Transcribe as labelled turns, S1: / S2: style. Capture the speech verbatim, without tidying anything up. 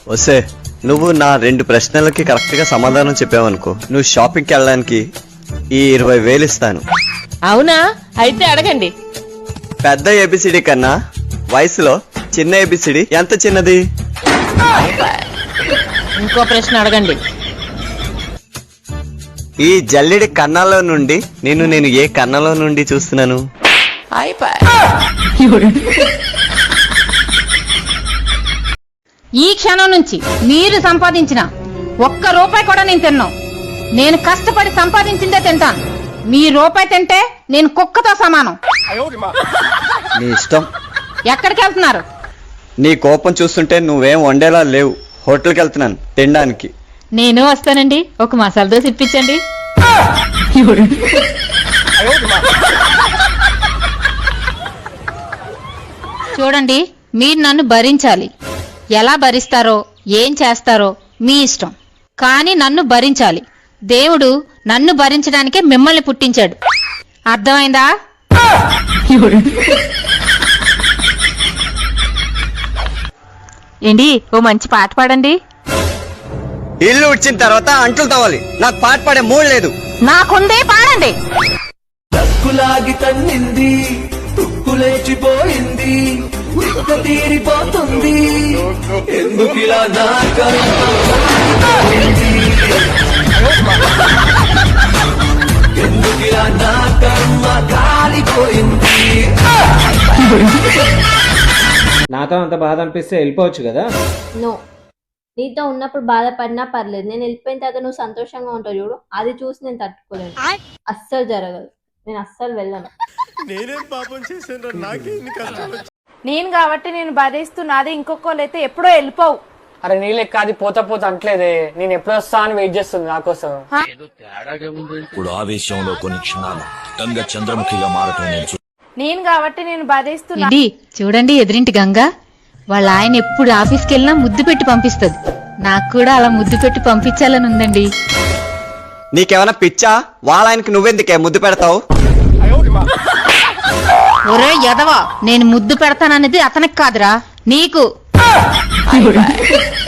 S1: వస్తే నువ్వు నా రెండు ప్రశ్నలకి కరెక్ట్ గా సమాధానం చెప్పావనుకో, నువ్వు షాపింగ్కి వెళ్ళడానికి ఈ ఇరవై వేలు ఇస్తాను.
S2: అవునా? అయితే అడగండి.
S1: పెద్ద ఏబిసిడి కన్నా వయసులో చిన్న ఏబిసిడి ఎంత చిన్నది?
S2: ఇంకో ప్రశ్న అడగండి.
S1: ఈ జల్లెడి కన్నాలో నుండి నేను నేను ఏ కన్నంలో నుండి చూస్తున్నాను?
S3: ఈ క్షణం నుంచి మీరు సంపాదించిన ఒక్క రూపాయి కూడా నేను తిన్నాను. నేను కష్టపడి సంపాదించిందే తింటాను. మీ రూపాయి తింటే నేను కుక్కతో సమానం.
S1: నీ ఇష్టం.
S3: ఎక్కడికి వెళ్తున్నారు?
S1: నీ కోపం చూస్తుంటే నువ్వేం వండేలా లేవు. హోటల్కి వెళ్తున్నాను తినడానికి.
S3: నేను వస్తానండి. ఒక మసాలా దోశ ఇప్పించండి. చూడండి, మీరు నన్ను భరించాలి. ఎలా భరిస్తారో ఏం చేస్తారో మీ ఇష్టం, కానీ నన్ను భరించాలి. దేవుడు నన్ను భరించడానికే మిమ్మల్ని పుట్టించాడు. అర్థమైందా? ఏంటి, ఓ మంచి పాట పాడండి.
S1: ఇల్లు వచ్చిన తర్వాత అంట్లు తవ్వాలి. నాకు పాట పాడే మూడు లేదు.
S3: నాకుందే, పాడండి.
S4: దక్కులాగి తన్నింది, తుక్కులేచిపోయింది, తిక్క తీరిపోతుంది, ఎందుకిలా నా ఎందుకిలా నా కర్మ కాలిపోయింది.
S5: నాతో అంత బాధ అనిపిస్తే వెళ్ళిపోవచ్చు కదా.
S6: నో, నీతో ఉన్నప్పుడు బాధపడినా పర్లేదు. నేను వెళ్ళిపోయిన తర్వాత నువ్వు సంతోషంగా ఉంటావు చూడు, అది చూసి నేను తట్టుకోలేను. అస్సలు జరగదు. నేను అస్సలు వెళ్ళను.
S7: నేనేం పాపం చేశాను? నాకేం కష్టాలు?
S8: నేను కాబట్టి నేను భరిస్తున్నది. ఇంకొకళ్ళు అయితే ఎప్పుడో వెళ్ళిపోవు.
S9: అరే నీ లెక్క అది పోతా పోతా అంటలేదే. నేను ఎప్పుడు వస్తా అని వెయిట్ చేస్తుంది నా కోసం.
S10: ఇప్పుడు ఆవేశంలో కొన్ని క్షణాలు గంగ చంద్రముఖిగా మారటం నేను
S8: నేను కాబట్టి నేను భరిస్తున్నా.
S3: ఇది చూడండి, ఎదురింటి గంగ వాళ్ళ ఆయన ఎప్పుడు ఆఫీస్కి వెళ్ళినా ముద్దు పెట్టి పంపిస్తుంది. నాకు కూడా అలా ముద్దు పెట్టి పంపించాలని ఉందండి.
S1: నీకేమైనా పిచ్చా? వాళ్ళ ఆయనకి నువ్వెందుకే ముద్దు పెడతావు?
S3: ఒరే ఎదవా, నేను ముద్దు పెడతాననేది అతనికి కాదురా, నీకు.